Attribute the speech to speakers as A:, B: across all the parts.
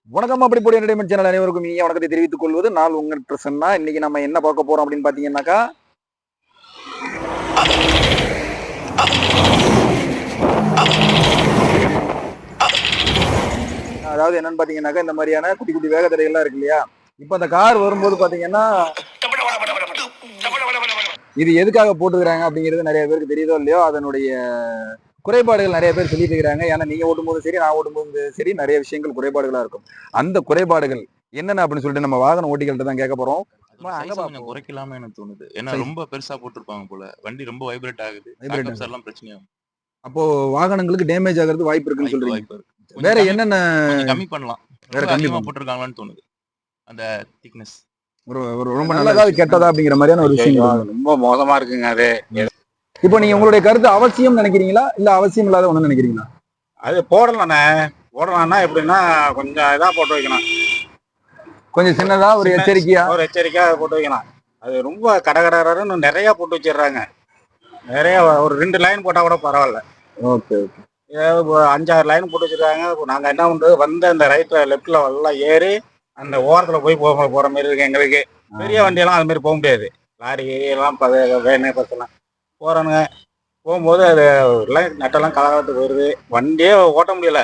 A: வணக்கம். அப்படி போடி entertainment channel அனைவருக்கும் இனிய வணக்கத்தை தெரிவித்துக் கொள்வது நான் உங்கள் பிரசன்னா. இன்னைக்கு நம்ம என்ன பார்க்க போறோம் அப்படின்னு பாத்தீங்கன்னாக்கா, அதாவது என்னன்னு பாத்தீங்கன்னாக்கா, இந்த மாதிரியான குட்டி குட்டி வேகத்தடைகள்லாம் இருக்கு இல்லையா. இப்ப அந்த கார் வரும்போது பாத்தீங்கன்னா, இது எதுக்காக போட்டுக்கிறாங்க அப்படிங்கிறது நிறைய பேருக்கு தெரியுதோ இல்லையோ, அதனுடைய குறைபாடுகள் நிறைய பேர் சொல்லிட்டு இருக்கிறாங்க. ஏன்னா நீங்க ஓட்டும்போது சரி, நான் ஓட்டும்போது சரி, நிறைய விஷயங்கள் குறைபாடுகளா இருக்கும். அந்த குறைபாடுகள் என்னென்ன அப்படின்னு சொல்லிட்டு நம்ம வாகன ஓட்டிகள்கிட்ட தான் கேட்க போறோம்.
B: அதோட சைஸ கொஞ்சம் குறைக்கலாம்னு எனக்கு தோணுது. ஏன்னா ரொம்ப பெருசா போட்டிருப்பாங்க போல. வண்டி ரொம்ப வைப்ரேட் ஆகுது. பேக்கப்ஸ் எல்லாம் பிரச்சனையாகும்.
A: அப்போ வாகனங்களுக்கு டேமேஜ் ஆகிறதுக்கு வாய்ப்பு இருக்குன்னு சொல்றீங்க.
B: வாய்ப்பு இருக்கு.
A: வேற என்னென்ன
B: கொஞ்சம் கம்மி பண்ணலாம்.
A: வேற
B: ரொம்ப
A: கம்மி
B: அதிகமா போட்டிருக்காங்களான்னு தோணுது. அந்த திக்னஸ்.
A: ஒரு ரொம்ப நல்லதா கெட்டதா அப்படிங்கிற மாதிரியான ஒரு விஷயம்
C: ரொம்ப மோசமா இருக்குங்க அது.
A: இப்போ நீங்க உங்களுடைய கருத்து அவசியம் நினைக்கிறீங்களா இல்ல அவசியம் இல்லாத ஒண்ணு நினைக்கிறீங்களா?
C: அது போடலாம்னா எப்படின்னா கொஞ்சம் இதா போட்டு வைக்கணும்.
A: கொஞ்சம் சின்னதா ஒரு எச்சரிக்கையா
C: போட்டு வைக்கலாம். அது ரொம்ப கடகடன்னு நிறைய போட்டு வச்சிடுறாங்க. நிறைய ஒரு 2 லைன் போட்டா கூட பரவாயில்ல.
A: ஓகே
C: 5-6 லைன் போட்டு வச்சிருக்காங்க. நாங்க என்ன பண்றது, வந்து அந்த ரைட்ல லெப்ட்ல எல்லாம் ஏறி அந்த ஓரத்துல போய் போற மாதிரி இருக்கு எங்களுக்கு. பெரிய வண்டியெல்லாம் அது மாதிரி போக முடியாது. லாரி எல்லாம் வேனு பஸ் எல்லாம் போறானுங்க. போகும்போது அது நட்டெல்லாம் கலகத்துக்கு வருது. வண்டியே ஓட்ட முடியல.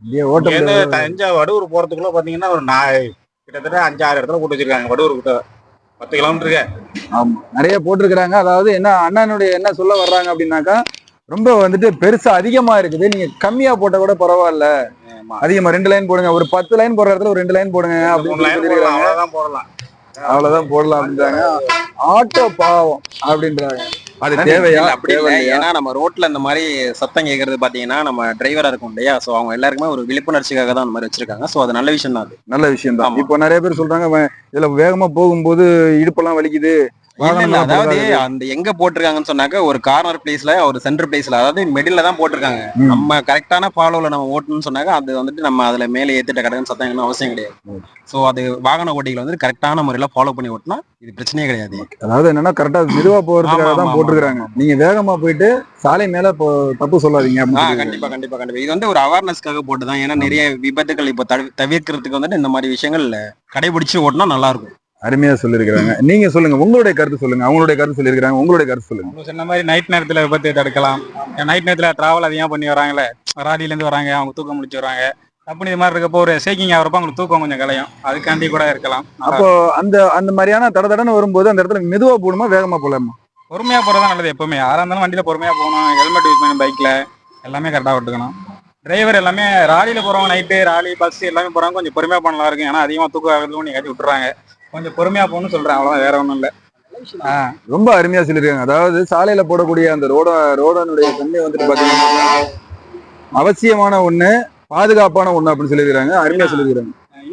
C: தஞ்சாவூர் வடூர் போறதுக்குள்ள பாத்தீங்கன்னா ஒரு கிட்டத்தட்ட 5-6 இடத்துல போட்டு வச்சிருக்காங்க. வடூர் கிட்ட 10 கிலோமீட்டருக்கு.
A: ஆமா, நிறைய போட்டிருக்கிறாங்க. அதாவது என்ன அண்ணனுடைய என்ன சொல்ல வர்றாங்க அப்படின்னாக்கா, ரொம்ப வந்துட்டு பெருசா அதிகமா இருக்குது, நீங்க கம்மியா போட்ட கூட பரவாயில்ல, அதிகமா 2 லைன் போடுங்க, ஒரு 10 லைன் போடுற இடத்துல ஒரு 2 லைன் போடுங்க அப்படின்னு அவ்வளவுதான் போடலாம் அப்படின்றாங்க. ஆட்டோ பாவம் அப்படின்றாங்க.
D: அது தேவையா? அப்படி இல்லை. ஏன்னா நம்ம ரோட்ல இந்த மாதிரி சத்தம் கேட்கறது பாத்தீங்கன்னா நம்ம டிரைவரா இருக்கும் இல்லையா, சோ அவங்க எல்லாருக்குமே ஒரு விழிப்புணர்ச்சிக்காக தான் அந்த மாதிரி வச்சிருக்காங்க. சோ அது நல்ல விஷயம் தான். அது
A: நல்ல விஷயம் தான். இப்போ நிறைய பேர் சொல்றாங்க, இதுல வேகமா போகும்போது இடுப்பெல்லாம் வலிக்குது.
D: அதாவது அந்த எங்க போட்டிருக்காங்கன்னு சொன்னாக்க, ஒரு கார்னர் பிளேஸ்ல, ஒரு சென்டர் பிளேஸ்ல, அதாவது மிடில்ல தான் போட்டிருக்காங்க. நம்ம கரெக்டான ஃபாலோல நம்ம ஓட்டணும்னு சொன்னாக்க, அது வந்துட்டு நம்ம அதுல மேலே ஏத்திட்ட கடன்னு சத்தம் அவசியம் கிடையாது. சோ அது வாகன ஓட்டிகள் வந்து கரெக்டான முறையில ஃபாலோ பண்ணி ஓட்டினா இது பிரச்சனையே கிடையாது.
A: அதாவது என்னன்னா கரெக்டா மெதுவா போறதுக்காக தான் போட்டிருக்காங்க. நீங்க வேகமா போயிட்டு சாலை மேல தப்பு சொல்லாதீங்க.
D: கண்டிப்பா இது வந்து ஒரு அவேர்னஸ்க்காக போட்டுதான். ஏன்னா நிறைய விபத்துகள் இப்ப தவிர்க்கிறதுக்கு வந்துட்டு இந்த மாதிரி விஷயங்கள் கடைபிடிச்சு ஓட்டினா நல்லா இருக்கும்.
A: அருமையா சொல்லிருக்காங்க. நீங்க சொல்லுங்க, உங்களுடைய கருத்து சொல்லுங்க. அவங்களுடைய கருத்து சொல்லிருக்காங்க, உங்களுடைய கருத்து சொல்லுங்க.
C: சொன்ன மாதிரி நைட் நேரத்துல விபத்து தடுக்கலாம். நைட் நேரத்துல டிராவல் அதிகமா பண்ணி வராங்களே, ராடியில இருந்து வராங்க, அவங்க தூக்கம் முடிச்சு வராங்க. அப்படி இது மாதிரி இருக்கப்போ ஒரு ஷேக்கிங் ஆகிறப்ப அவங்களுக்கு தூக்கம் கொஞ்சம் கலையும். அதுக்காண்டி கூட இருக்கலாம்.
A: அப்போ அந்த மாதிரியான தடன்னு வரும்போது அந்த இடத்துல மெதுவா போகணுமா வேகமா போலாமா?
C: பொறுமையா போறதா நல்லது. எப்பவுமே யாரா இருந்தாலும் வண்டியில பொறுமையா போகணும். ஹெல்மெட் யூஸ் பண்ணி பைக்ல எல்லாமே கரெக்டா விட்டுக்கணும். டிரைவர் எல்லாமே ராலியில போறவங்க, நைட்டு ராலி பஸ் எல்லாமே போறவங்க கொஞ்சம் பொறுமையா பண்ணலாம் இருக்கு. ஏன்னா அதிகமா தூக்கம் ஆகிறதுக்கும் நீங்க விட்டுறாங்க. கொஞ்சம் பொறுமையா போகணும்னு சொல்றேன். அவ்வளவுதான், வேற ஒண்ணும் இல்ல.
A: ரொம்ப அருமையா சொல்லிருக்காங்க. அதாவது சாலையில போடக்கூடிய அந்த ரோடனுடைய தன்மை வந்துட்டு பாத்தீங்கன்னா அவசியமான ஒண்ணு, பாதுகாப்பான ஒண்ணு அப்படின்னு சொல்லிருக்காங்க. அருமையா சொல்லிருக்காங்க.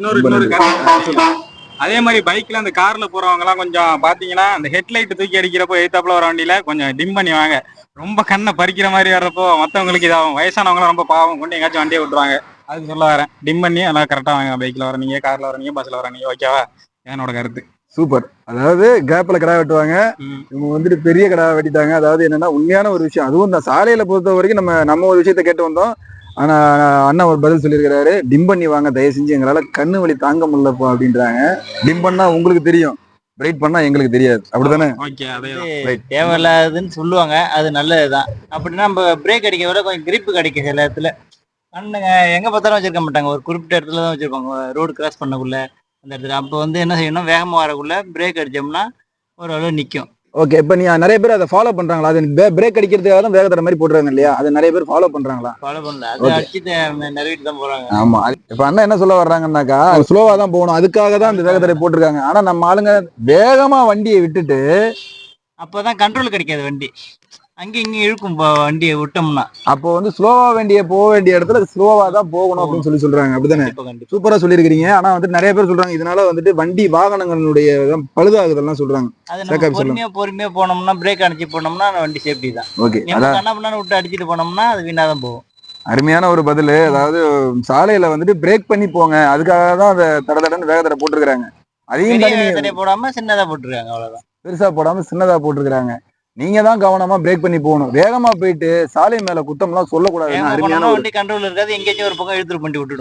C: இன்னொரு அதே மாதிரி பைக்ல அந்த கார்ல போறவங்க எல்லாம் கொஞ்சம் பாத்தீங்கன்னா, அந்த ஹெட்லைட் தூக்கி அடிக்கிறப்போ எய்தாப்புல வர வண்டியில கொஞ்சம் டிம் பண்ணி வாங்க. ரொம்ப கண்ணை பறிக்கிற மாதிரி வர்றப்போ மத்தவங்களுக்கு இதாகும். வயசானவங்க எல்லாம் ரொம்ப பாவம், கொண்டு எங்காச்சும் வண்டியை விட்டுருவாங்க. அதுக்கு சொல்ல வரேன். டிம் பண்ணி எல்லாம் கரெக்டா வாங்க. பைக்ல வர நீங்க, கார்ல வர நீங்க, பஸ்ல வர நீங்க. ஓகேவா? என்னோட கருத்து.
A: சூப்பர். அதாவது கேப்ல கடை வெட்டுவாங்க, இவங்க வந்துட்டு பெரிய கடை வெட்டிட்டாங்க. அதாவது என்னன்னா உண்மையான ஒரு விஷயம். அதுவும் இந்த சாலையில பொறுத்த வரைக்கும் நம்ம ஒரு விஷயத்த கேட்டு வந்தோம். ஆனா அண்ணா ஒரு பதில் சொல்லியிருக்கிறாரு, டிம் பண்ணி வாங்க தயவு செஞ்சு, எங்களால கண்ணு வலி தாங்க முடியலப்பா அப்படின்றாங்க. டிம் பண்ணா உங்களுக்கு தெரியும், பிரைட் பண்ணா எங்களுக்கு தெரியாது. அப்படித்தானே?
E: தேவையில்லாதுன்னு சொல்லுவாங்க, அது நல்லதுதான். அப்படின்னா நம்ம பிரேக் அடிக்க விட கொஞ்சம் கிரிப்பு கிடைக்கும் சில இடத்துல. கண்ணுங்க எங்க பார்த்தாலும் வச்சிருக்க மாட்டாங்க, ஒரு குறிப்பிட்ட இடத்துல தான் வச்சிருப்பாங்க, ரோடு கிராஸ் பண்ணக்குள்ள அந்த இடத்துல. அப்போ வந்து என்ன செய்யணும், வேகமாக வரக்குள்ள பிரேக் அடிச்சோம்னா ஓரளவு நிற்கும்.
A: ஓகே. இப்ப நீ நிறைய பேர் அதை ஃபாலோ பண்றாங்களா? அது பிரேக் அடிக்கிறதுக்காக தான் வேகத்தடை மாதிரி போட்டுறாங்க இல்லையா, அது நிறைய பேர் ஃபாலோ பண்றாங்களா?
E: ஃபாலோ பண்ணல, அது அடிச்சு நிறைவேற்றி தான் போறாங்க.
A: ஆமா. இப்ப அண்ணா என்ன சொல்ல வர்றாங்கன்னாக்கா, ஸ்லோவா தான் போகணும், அதுக்காக தான் அந்த வேகத்தடை போட்டிருக்காங்க. ஆனா நம்ம ஆளுங்க வேகமா வண்டியை விட்டுட்டு
E: அப்பதான் கண்ட்ரோல் கிடைக்காது வண்டி, அங்கேயும் இங்கேயும் இழுக்கும் வண்டியை விட்டோம்னா. அப்போ
A: வந்து ஸ்லோவா போக வேண்டிய இடத்துல ஸ்லோவா தான் போகணும் அப்படின்னு சொல்றாங்க. அப்படித்தானே? சூப்பரா சொல்லியிருக்கீங்க. ஆனா வந்துட்டு நிறைய பேர் சொல்றாங்க, இதனால வந்துட்டு வண்டி வாகனங்களுடைய பழுதாகுதெல்லாம் சொல்றாங்க.
E: பொறுமையா போனோம்னா, பிரேக் அடிச்சு போனோம்னா வண்டி சேஃப்டி தான்.
A: ஓகே.
E: என்ன பண்ணா விட்டு அடிச்சுட்டு போனோம்னா அது வீணாதான் போகும்.
A: அருமையான ஒரு பதில். அதாவது சாலையில வந்துட்டு பிரேக் பண்ணி போங்க, அதுக்காக தான் அந்த தடன்னு வேகத்தடை போட்டிருக்காங்க.
E: அதையும் போடாம சின்னதா போட்டிருக்காங்க, அவ்வளவுதான்.
A: பெருசா போடாம சின்னதா போட்டிருக்காங்க. நீங்க தான் கவனமா பிரேக் பண்ணி போகணும். வேகமா போயிட்டு சாலை மேல குத்தம் எல்லாம் சொல்லக்கூடாது.
E: வண்டி கண்ட்ரோல் இருக்காது, எங்கேயாச்சும் ஒரு பக்கம் இழுத்துட்டு பண்ணி விட்டுடும்.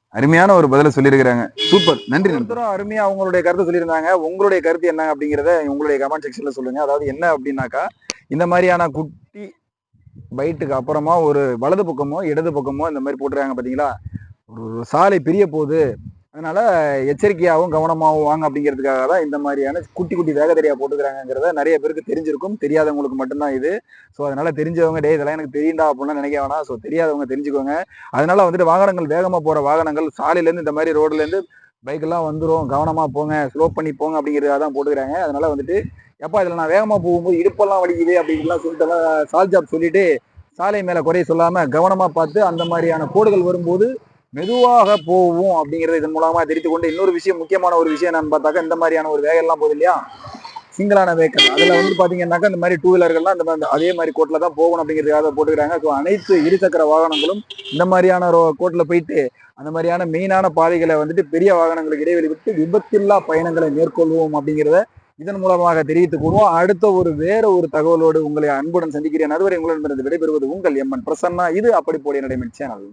A: அருமையான ஒரு பதில சொல்லியிருக்கிறாங்க. சூப்பர், நன்றி. ஒருத்தரும் அருமையா அவங்களுடைய கருத்தை சொல்லியிருந்தாங்க. உங்களுடைய கருத்து என்ன அப்படிங்கிறத உங்களுடைய கமெண்ட் செக்ஷன்ல சொல்லுங்க. அதாவது என்ன அப்படின்னாக்கா, இந்த மாதிரியான குட்டி பைட்டுக்கு அப்புறமா ஒரு வலது பக்கமோ இடது பக்கமோ இந்த மாதிரி போட்டுருக்காங்க பார்த்தீங்களா, ஒரு சாலை பிரிய போகுது, அதனால எச்சரிக்கையாகவும் கவனமாகவும் வாங்க அப்படிங்கிறதுக்காக தான் இந்த மாதிரியான குட்டி குட்டி வேகத்தறியா போட்டுக்கிறாங்கிறத நிறைய பேருக்கு தெரிஞ்சிருக்கும். தெரியாதவங்களுக்கு மட்டும்தான் இது. ஸோ அதனால தெரிஞ்சவங்க டே இதெல்லாம் எனக்கு தெரியுண்டா அப்படின்லாம் நினைக்க வேணாம். ஸோ தெரியாதவங்க தெரிஞ்சுக்கோங்க. அதனால வந்துட்டு வாகனங்கள் வேகமாக போகிற வாகனங்கள் சாலையிலேருந்து இந்த மாதிரி ரோட்லேருந்து பைக்கெல்லாம் வந்துடும், கவனமாக போங்க, ஸ்லோ பண்ணி போங்க அப்படிங்கிறதுக்காக தான் போட்டுக்கிறாங்க. அதனால வந்துட்டு எப்பா இதில் நான் வேகமாக போகும்போது இடுப்பெல்லாம் வலிக்குது அப்படின்லாம் சொல்லிட்டு சால் ஜாப் சொல்லிட்டு சாலை மேலே குறைய சொல்லாமல் கவனமாக பார்த்து அந்த மாதிரியான கோடுகள் வரும்போது மெதுவாக போவோம் அப்படிங்கிறத இதன் மூலமா தெரிவித்து கொண்டு, இன்னொரு விஷயம், முக்கியமான ஒரு விஷயம் என்னன்னு பார்த்தாக்கா, இந்த மாதிரியான ஒரு வேகம்லாம் போகுது இல்லையா, சிங்கிளான வெஹிக்கல், அதுல வந்து பாத்தீங்கன்னாக்கா இந்த மாதிரி டூ வீலர்கள்லாம் இந்த மாதிரி அதே மாதிரி கோட்ல தான் போகணும் அப்படிங்கிறதுக்காக போட்டுக்கிறாங்க. ஸோ அனைத்து இருசக்கர வாகனங்களும் இந்த மாதிரியான கோட்ல போயிட்டு அந்த மாதிரியான மெயினான பாதைகளை வந்துட்டு பெரிய வாகனங்களுக்கு இடைவெளி விட்டு விபத்தில்லா பயணங்களை மேற்கொள்வோம் அப்படிங்கிறத இதன் மூலமாக தெரிவித்துக் கொள்வோம். அடுத்த வேற ஒரு தகவலோடு உங்களை அன்புடன் சந்திக்கிறேன். அதுவரை உங்களிடமிருந்து விடைபெறுவது உங்கள் எம்என் பிரசன்னா. இது அப்படி போடி நடைமென் சேனல்.